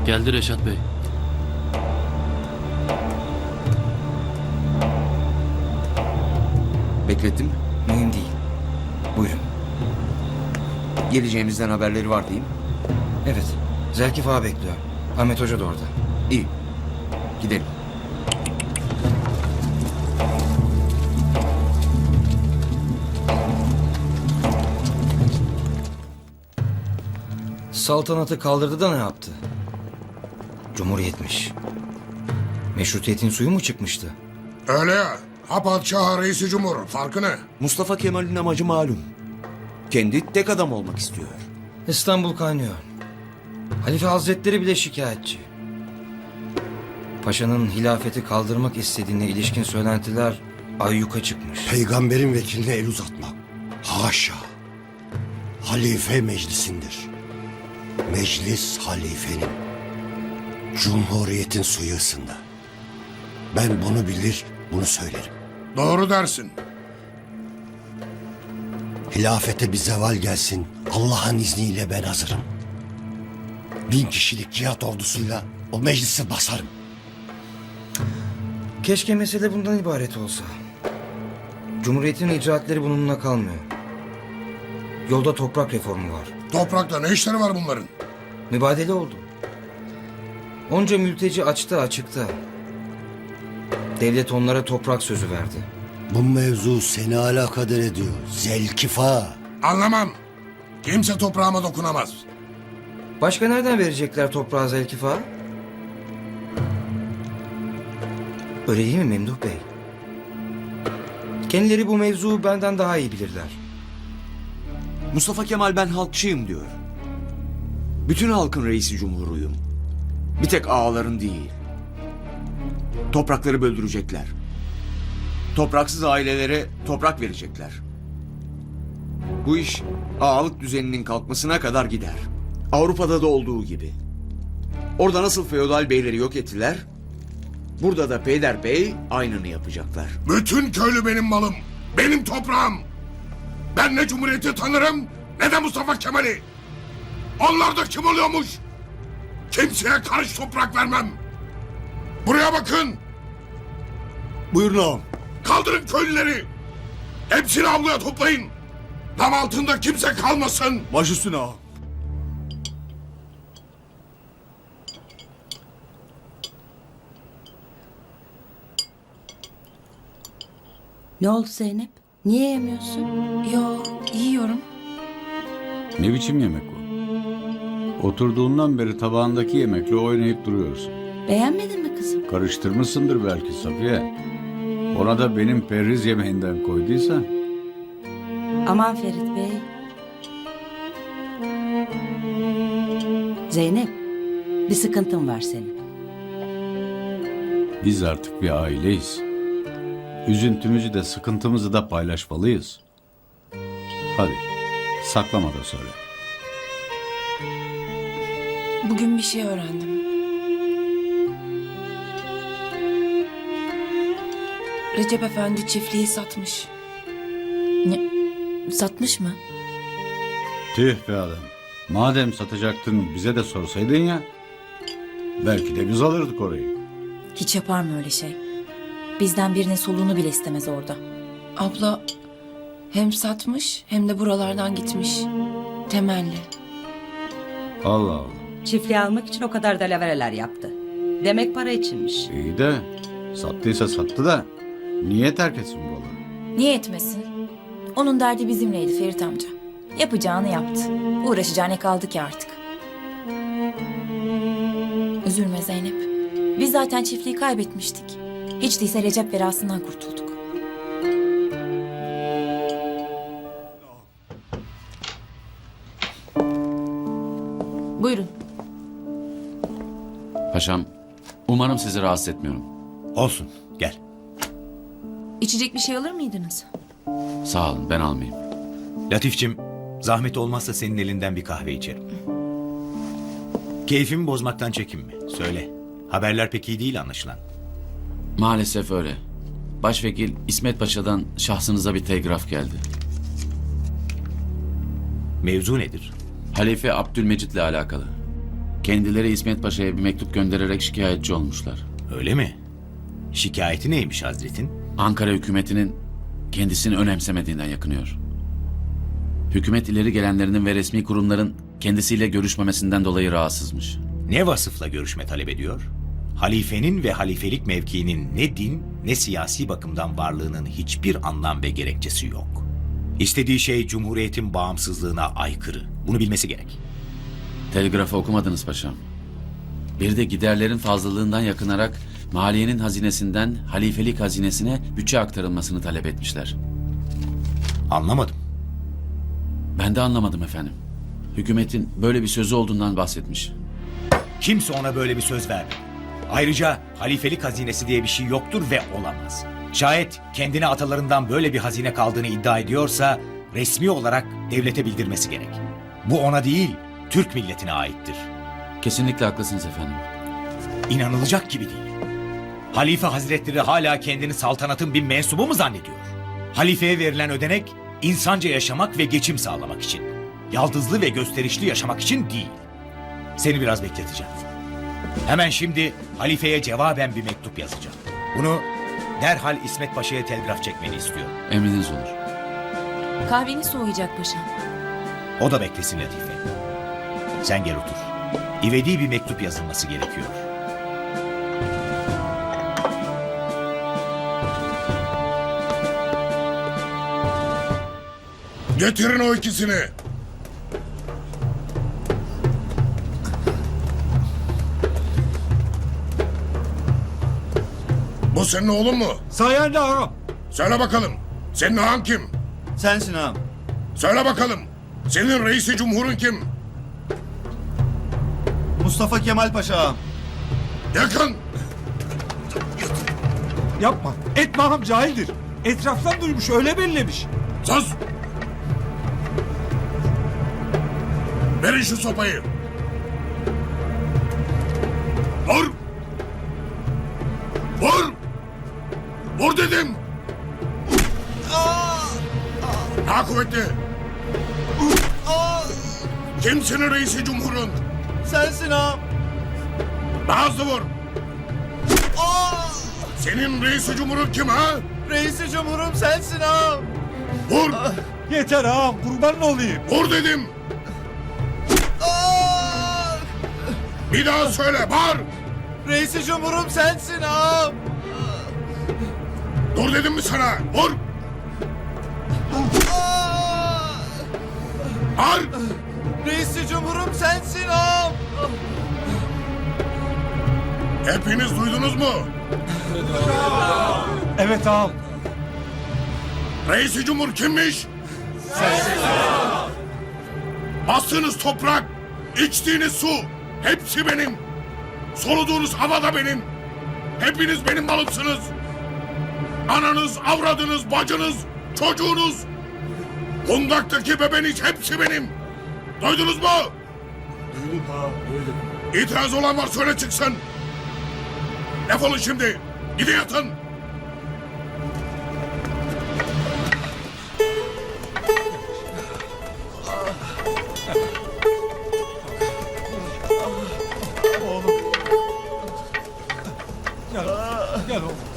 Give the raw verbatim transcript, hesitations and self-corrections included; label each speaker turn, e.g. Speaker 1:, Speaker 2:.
Speaker 1: Geldi Reşat Bey.
Speaker 2: Beklettim mi?
Speaker 3: Mühim değil. Buyurun.
Speaker 2: Geleceğimizden haberleri var değil mi?
Speaker 3: Evet. Zelkif ağa bekliyor. Ahmet Hoca da orada.
Speaker 2: İyi. Gidelim.
Speaker 3: Saltanatı kaldırdı da ne yaptı? Cumhuriyetmiş. Meşrutiyetin suyu mu çıkmıştı?
Speaker 4: Öyle ya. Ha padişah ha reisi cumhur. Farkı ne?
Speaker 2: Mustafa Kemal'in amacı malum. Kendi tek adam olmak istiyor.
Speaker 3: İstanbul kaynıyor. Halife Hazretleri bile şikayetçi. Paşanın hilafeti kaldırmak istediğine ilişkin söylentiler ayyuka çıkmış.
Speaker 5: Peygamberin vekiline el uzatmak. Haşa. Halife meclisindir. Meclis halifenin. Cumhuriyetin suyu ısındı. Ben bunu bilir, bunu söylerim.
Speaker 4: Doğru dersin.
Speaker 5: Hilafete bir zeval gelsin. Allah'ın izniyle ben hazırım. Bin kişilik cihat ordusuyla o meclisi basarım.
Speaker 3: Keşke mesele bundan ibaret olsa. Cumhuriyetin icraatleri bununla kalmıyor. Yolda toprak reformu var.
Speaker 4: Toprakta ne işleri var bunların?
Speaker 3: Mübadele oldu. Onca mülteci açtı açıkta. Devlet onlara toprak sözü verdi.
Speaker 5: Bu mevzu seni alakadar ediyor. Zelkifa.
Speaker 4: Anlamam. Kimse toprağıma dokunamaz.
Speaker 3: Başka nereden verecekler toprağı Zelkif ağa? Öyle değil mi Memduh Bey? Kendileri bu mevzuyu benden daha iyi bilirler.
Speaker 2: Mustafa Kemal ben halkçıyım diyor. Bütün halkın reisi cumhuruyum. Bir tek ağaların değil. Toprakları böldürecekler. Topraksız ailelere toprak verecekler. Bu iş ağalık düzeninin kalkmasına kadar gider. Avrupa'da da olduğu gibi. Orada nasıl feodal beyleri yok ettiler, burada da peyderbey aynını yapacaklar.
Speaker 4: Bütün köylü benim malım. Benim toprağım. Ben ne Cumhuriyeti tanırım ne de Mustafa Kemal'i. Onlar da kim oluyormuş? Kimseye karış toprak vermem. Buraya bakın.
Speaker 5: Buyurun ağam.
Speaker 4: Kaldırın köylüleri. Hepsini avluya toplayın. Dam altında kimse kalmasın.
Speaker 5: Baş üstüne ağam.
Speaker 6: Ne oldu Zeynep? Niye yemiyorsun?
Speaker 7: Yo, yiyorum.
Speaker 8: Ne biçim yemek o? Oturduğundan beri tabağındaki yemekle oynayıp duruyorsun.
Speaker 6: Beğenmedin mi kızım?
Speaker 8: Karıştırmışsındır belki Safiye. Ona da benim perhiz yemeğinden koyduysa.
Speaker 6: Aman Ferit Bey. Zeynep, bir sıkıntın var senin.
Speaker 8: Biz artık bir aileyiz. Üzüntümüzü de sıkıntımızı da paylaşmalıyız. Hadi saklama da söyle.
Speaker 7: Bugün bir şey öğrendim. Recep Efendi çiftliği satmış.
Speaker 6: Ne? Satmış mı?
Speaker 8: Tüh be adam. Madem satacaktın bize de sorsaydın ya. Belki de biz alırdık orayı.
Speaker 9: Hiç yapar mı öyle şey? Bizden birinin soluğunu bile istemez orada.
Speaker 7: Abla hem satmış hem de buralardan gitmiş. Temelli.
Speaker 8: Allah Allah.
Speaker 6: Çiftliği almak için o kadar dalavereler yaptı. Demek para içinmiş.
Speaker 8: İyi de sattıysa sattı da niye terk etsin buraları?
Speaker 9: Niye etmesin? Onun derdi bizimleydi Ferit amca. Yapacağını yaptı. Uğraşacağı ne kaldı ki artık? Üzülme Zeynep. Biz zaten çiftliği kaybetmiştik. Hiç değilse Recep verasından kurtulduk.
Speaker 7: Buyurun.
Speaker 1: Paşam, umarım sizi rahatsız etmiyorum.
Speaker 5: Olsun, gel.
Speaker 7: İçecek bir şey alır mıydınız?
Speaker 1: Sağ olun, ben almayayım.
Speaker 10: Latifçim, zahmet olmazsa senin elinden bir kahve içerim. Keyfimi bozmaktan çekinme. Söyle. Haberler pek iyi değil anlaşılan.
Speaker 1: Maalesef öyle. Başvekil İsmet Paşa'dan şahsınıza bir telgraf geldi.
Speaker 10: Mevzu nedir?
Speaker 1: Halife Abdülmecit'le alakalı. kendileri İsmet Paşa'ya bir mektup göndererek şikayetçi olmuşlar.
Speaker 10: Öyle mi? Şikayeti neymiş Hazret'in?
Speaker 1: Ankara hükümetinin kendisini önemsemediğinden yakınıyor. Hükümet ileri gelenlerinin ve resmi kurumların kendisiyle görüşmemesinden dolayı rahatsızmış.
Speaker 10: Ne vasıfla görüşme talep ediyor? Halifenin ve halifelik mevkiinin ne din ne siyasi bakımdan varlığının hiçbir anlam ve gerekçesi yok. İstediği şey Cumhuriyet'in bağımsızlığına aykırı. Bunu bilmesi gerek.
Speaker 1: Telgrafı okumadınız paşam. Bir de giderlerin fazlalığından yakınarak maliyenin hazinesinden halifelik hazinesine bütçe aktarılmasını talep etmişler.
Speaker 10: Anlamadım.
Speaker 1: Ben de anlamadım efendim. Hükümetin böyle bir sözü olduğundan bahsetmiş.
Speaker 10: Kimse ona böyle bir söz vermedi. Ayrıca halifelik hazinesi diye bir şey yoktur ve olamaz. Şayet kendine atalarından böyle bir hazine kaldığını iddia ediyorsa resmi olarak devlete bildirmesi gerek. Bu ona değil, Türk milletine aittir.
Speaker 1: Kesinlikle haklısınız efendim.
Speaker 10: İnanılacak gibi değil. Halife Hazretleri hala kendini saltanatın bir mensubu mu zannediyor? Halifeye verilen ödenek insanca yaşamak ve geçim sağlamak için. Yaldızlı ve gösterişli yaşamak için değil. Seni biraz bekleteceğim. Hemen şimdi halifeye cevaben bir mektup yazacağım. Bunu derhal İsmet Paşa'ya telgraf çekmeni istiyorum.
Speaker 1: Emriniz olur.
Speaker 9: Kahveni soğuyacak paşam.
Speaker 10: O da beklesin Latife. Sen gel otur. İvedi bir mektup yazılması gerekiyor.
Speaker 4: Getirin o ikisini. Bu senin oğlun mu?
Speaker 5: Sayende ağam.
Speaker 4: Söyle bakalım. Senin ağan kim?
Speaker 5: Sensin ağam.
Speaker 4: Söyle bakalım. Senin reisi cumhurun kim?
Speaker 5: Mustafa Kemal Paşa ağam.
Speaker 4: Yakın.
Speaker 11: Yapma. Etme ağam cahildir. Etraftan duymuş öyle bellemiş.
Speaker 4: Sus. Verin şu sopayı. Vur. Vur. Vur dedim. Daha kuvvetli. Kimsin reisi cumhurun?
Speaker 5: Sensin ağam.
Speaker 4: Daha hızlı vur. Senin reisi cumhurun kim ha?
Speaker 5: Reisi Cumhurum sensin ağam.
Speaker 4: Vur.
Speaker 11: Yeter ağam kurban olayım.
Speaker 4: Vur dedim. Bir daha söyle, bağır.
Speaker 5: Reisi Cumhurum sensin ağam.
Speaker 4: Dur dedim mi sana? Vur. Bağır.
Speaker 5: Reisi Cumhurum sensin ağam.
Speaker 4: Hepiniz duydunuz mu?
Speaker 11: Evet ağam.
Speaker 4: Reisi Cumhur kimmiş? Bastığınız toprak, içtiğiniz su, hepsi benim. Soluduğunuz hava da benim. Hepiniz benim malımsınız. Ananız, avradınız, bacınız, çocuğunuz. Kundaktaki bebeniz hepsi benim. Duydunuz mu?
Speaker 11: Duydum ağam duydum.
Speaker 4: İtiraz olan var söyle çıksın. Defolun şimdi. Gidin yatın.
Speaker 11: Gel, gel oğlum.